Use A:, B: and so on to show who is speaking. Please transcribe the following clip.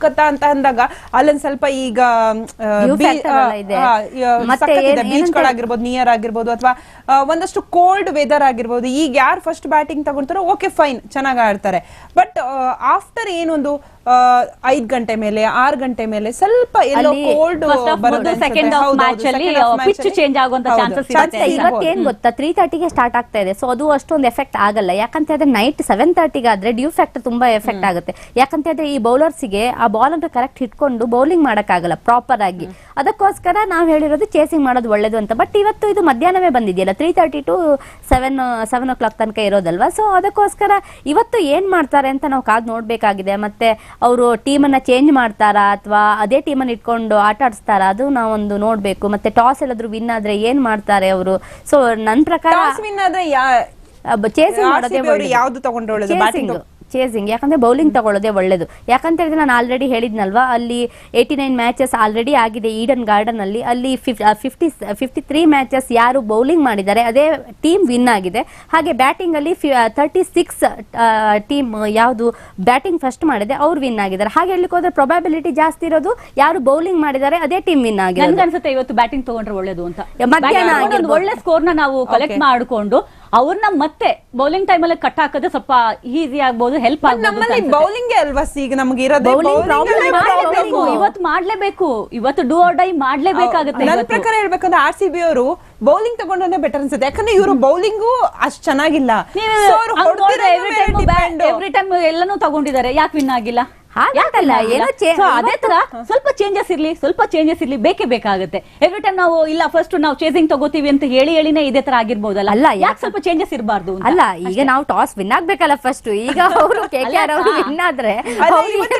A: ಕಲ್ಕತ್ತಾ ಅಂತ ಅಂದಾಗ ಅಲ್ಲೊಂದ್ ಸ್ವಲ್ಪ ಈಗ ಬೀಚ್ ಗಳಾಗಿರ್ಬೋದು, ನಿಯರ್ ಆಗಿರ್ಬೋದು, ಅಥವಾ ಒಂದಷ್ಟು ಕೋಲ್ಡ್ ವೆದರ್ ಆಗಿರ್ಬೋದು. ಈಗ ಯಾರು ಫಸ್ಟ್ ಬ್ಯಾಟಿಂಗ್ ತಗೊಂತಾರೋ ಓಕೆ ಫೈನ್, ಚೆನ್ನಾಗಿ ಆಡ್ತಾರೆ. ಬಟ್ ಆಫ್ಟರ್ ಏನೊಂದು 5 ಗಂಟೆ ಮೇಲೆ 6 ಗಂಟೆ ಮೇಲೆ ಸ್ವಲ್ಪ ಎಲ್ಲೋ ಕೋಲ್ಡ್
B: ಇವತ್ತೇನ್ ಗೊತ್ತಾ 3:30ಗೆ ಸ್ಟಾರ್ಟ್ ಆಗ್ತಾ ಇದೆ. ಸೊ ಅದು ಅಷ್ಟೊಂದು ಎಫೆಕ್ಟ್ ಆಗಲ್ಲ. ಯಾಕಂತ ಹೇಳಿದ್ರೆ ನೈಟ್ 7:30ಗೆ ಆದ್ರೆ ಡ್ಯೂ ಫ್ಯಾಕ್ಟರ್ ತುಂಬಾ ಎಫೆಕ್ಟ್ ಆಗುತ್ತೆ. ಯಾಕಂತ ಹೇಳಿದ್ರೆ ಈ ಬೌಲರ್ಸ್ಗೆ ಆ ಬಾಲ್ ಅಂತ ಕರೆಕ್ಟ್ ಹಿಡ್ಕೊಂಡು ಬೌಲಿಂಗ್ ಮಾಡಕ್ ಆಗಲ್ಲ ಪ್ರಾಪರ್ ಆಗಿ. ಅದಕ್ಕೋಸ್ಕರ ನಾವ್ ಹೇಳಿರೋದು ಚೇಸಿಂಗ್ ಮಾಡೋದು ಒಳ್ಳೇದು ಅಂತ. ಬಟ್ ಇವತ್ತು ಇದು ಮಧ್ಯಾಹ್ನವೇ ಬಂದಿದೆಯಲ್ಲ, 3:30 to 7 o'clock ತನಕ ಇರೋದಲ್ವಾ. ಸೊ ಅದಕ್ಕೋಸ್ಕರ ಇವತ್ತು ಏನ್ ಮಾಡ್ತಾರೆ ಅಂತ ನಾವು ಕಾದ್ ನೋಡ್ಬೇಕಾಗಿದೆ. ಮತ್ತೆ ಅವರು ಟೀಮ್ ಅನ್ನ ಚೇಂಜ್ ಮಾಡ್ತಾರಾ ಅಥವಾ ಅದೇ ಟೀಮ್ ಅನ್ನ ಇಟ್ಕೊಂಡು ಆಟ ಆಡಿಸ್ತಾರಾ, ಅದು ನಾವೊಂದು ನೋಡ್ಬೇಕು. ಮತ್ತೆ ಟಾಸ್ ಎಲ್ಲಾದ್ರೂ ವಿನ್ ಆದ್ರೆ ಏನ್ ಮಾಡ್ತಾರೆ ಅವರು. ಸೊ ನನ್ ಪ್ರಕಾರ ಚೇಸಿಂಗ್ ಮಾಡೋದೇ
A: ಯಾವ್ದು ತಗೊಂಡ್ರೆ
B: ಚೇಸಿಂಗ್. ಯಾಕಂದ್ರೆ ಬೌಲಿಂಗ್ ತಗೊಳ್ಳೋದೇ ಒಳ್ಳೇದು. ಯಾಕಂತ ಹೇಳಿದ್ರೆ ನಾನು ಆಲ್ರೆಡಿ ಹೇಳಿದ್ನಲ್ವಾ, ಅಲ್ಲಿ 89 ಮ್ಯಾಚಸ್ ಆಲ್ರೆಡಿ ಆಗಿದೆ ಈಡನ್ ಗಾರ್ಡನ್ ಅಲ್ಲಿ. ಅಲ್ಲಿ 53 ಮ್ಯಾಚಸ್ ಯಾರು ಬೌಲಿಂಗ್ ಮಾಡಿದ್ದಾರೆ ಅದೇ ಟೀಮ್ ವಿನ್ ಆಗಿದೆ. ಹಾಗೆ ಬ್ಯಾಟಿಂಗ್ ಅಲ್ಲಿ 36 ಟೀಮ್ ಯಾವುದು ಬ್ಯಾಟಿಂಗ್ ಫಸ್ಟ್ ಮಾಡಿದೆ ಅವ್ರು ವಿನ್ ಆಗಿದ್ದಾರೆ. ಹಾಗೆ ಹೇಳಲಿಕ್ಕೆ ಹೋದ್ರೆ ಪ್ರೊಬಾಬಿಲಿಟಿ ಜಾಸ್ತಿ ಇರೋದು ಯಾರು ಬೌಲಿಂಗ್ ಮಾಡಿದ್ದಾರೆ ಅದೇ ಟೀಮ್ ವಿನ್ ಆಗಿದೆ.
C: ನನ್ಗೆ ಅನ್ಸುತ್ತೆ ಇವತ್ತು ಬ್ಯಾಟಿಂಗ್ ತಗೊಂಡ್ರೆ ಒಳ್ಳೇದು ಅಂತ. ಮಧ್ಯಾಹ್ನ ಒಳ್ಳೆ ಸ್ಕೋರ್ ನ ನಾವು ಕಲೆಕ್ಟ್ ಮಾಡಿಕೊಂಡು ಅವ್ರನ್ನ ಮತ್ತೆ ಬೌಲಿಂಗ್ ಟೈಮ್ ಅಲ್ಲಿ ಕಟ್ ಹಾಕೋದು ಸ್ವಲ್ಪ ಈಸಿ ಆಗ್ಬಹುದು, ಹೆಲ್ಪ್ ಆಗ್ಬಹುದು.
A: ಬೌಲಿಂಗ್ ಅಲ್ವಾ ಈಗ ನಮ್ಗೆ ಇರೋದು.
C: ಇವತ್ತು ಮಾಡ್ಲೇಬೇಕು, ಇವತ್ತು ಡೂ ಆರ್ ಡೈ ಮಾಡ್ಲೇಬೇಕಾಗುತ್ತೆ.
A: ನನ್ನ ಪ್ರಕಾರ ಹೇಳ್ಬೇಕಂದ್ರೆ RCB ಅವರು ಬೌಲಿಂಗ್ ತಗೊಂಡ್ರೆ ಬೆಟರ್ ಅನ್ಸುತ್ತೆ. ಯಾಕಂದ್ರೆ ಇವರು ಬೌಲಿಂಗು ಅಷ್ಟ್ ಚೆನ್ನಾಗಿಲ್ಲ.
C: ಎವ್ರಿ ಟೈಮ್ ಎಲ್ಲಾನು ತಗೊಂಡಿದ್ದಾರೆ, ಯಾಕೆ ವಿನ್ ಆಗಿಲ್ಲ?
B: ಅದೇ
C: ತರ ಸ್ವಲ್ಪ ಚೇಂಜಸ್ ಇರ್ಲಿ ಬೇಕೇ ಬೇಕಾಗುತ್ತೆ. ಎವ್ರಿ ಟೈಮ್ ನಾವು ಇಲ್ಲ ಫಸ್ಟ್ ನಾವು ಚೇಸಿಂಗ್ ತಗೋತೀವಿ ಅಂತ ಹೇಳಿನೇ ಇದೇ ತರ ಆಗಿರ್ಬೋದಲ್ಲ.
B: ಅಲ್ಲ,
C: ಯಾಕೆ ಸ್ವಲ್ಪ ಚೇಂಜಸ್ ಇರಬಾರ್ದು
B: ಅಲ್ಲ. ಈಗ ನಾವು ಟಾಸ್ ವಿನ್ ಆಗ್ಬೇಕಲ್ಲ ಫಸ್ಟ್. ಈಗ ಅವರು KKR ಅವರು ವಿನ್ ಆದ್ರೆ